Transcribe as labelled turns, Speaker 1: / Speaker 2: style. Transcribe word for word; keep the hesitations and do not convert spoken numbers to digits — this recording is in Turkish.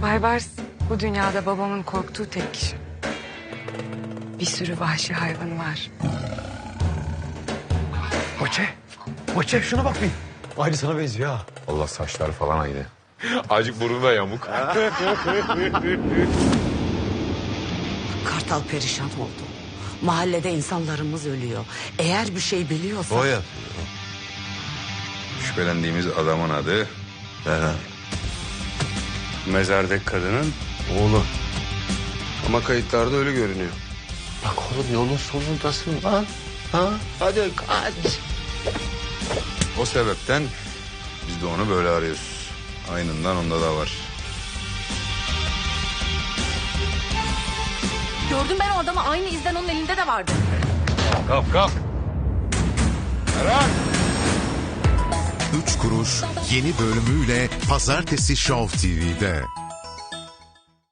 Speaker 1: Baybars bu dünyada babamın korktuğu tek kişi. Bir sürü vahşi hayvanı var.
Speaker 2: Boçe. Boçe şuna bak bir. Aynı sana benziyor ha.
Speaker 3: Allah saçları falan aynı. Azıcık burnu da yamuk.
Speaker 4: Kartal perişan oldu. Mahallede insanlarımız ölüyor. Eğer bir şey biliyorsa...
Speaker 5: O yapıyor.
Speaker 6: Şüphelendiğimiz adamın adı
Speaker 5: Ferhan.
Speaker 7: Mezardaki kadının
Speaker 5: Oğlum.
Speaker 7: ama kayıtlarda öyle görünüyor.
Speaker 5: Bak oğlum yolun sonundasın lan. Ha? Hadi kaç.
Speaker 6: o sebepten biz de onu böyle arıyoruz. Aynından onda da var.
Speaker 8: Gördüm ben o adamı, aynı izden onun elinde de vardı.
Speaker 6: Kap kap.
Speaker 9: Üç Kuruş yeni bölümüyle Pazartesi Show T V'de.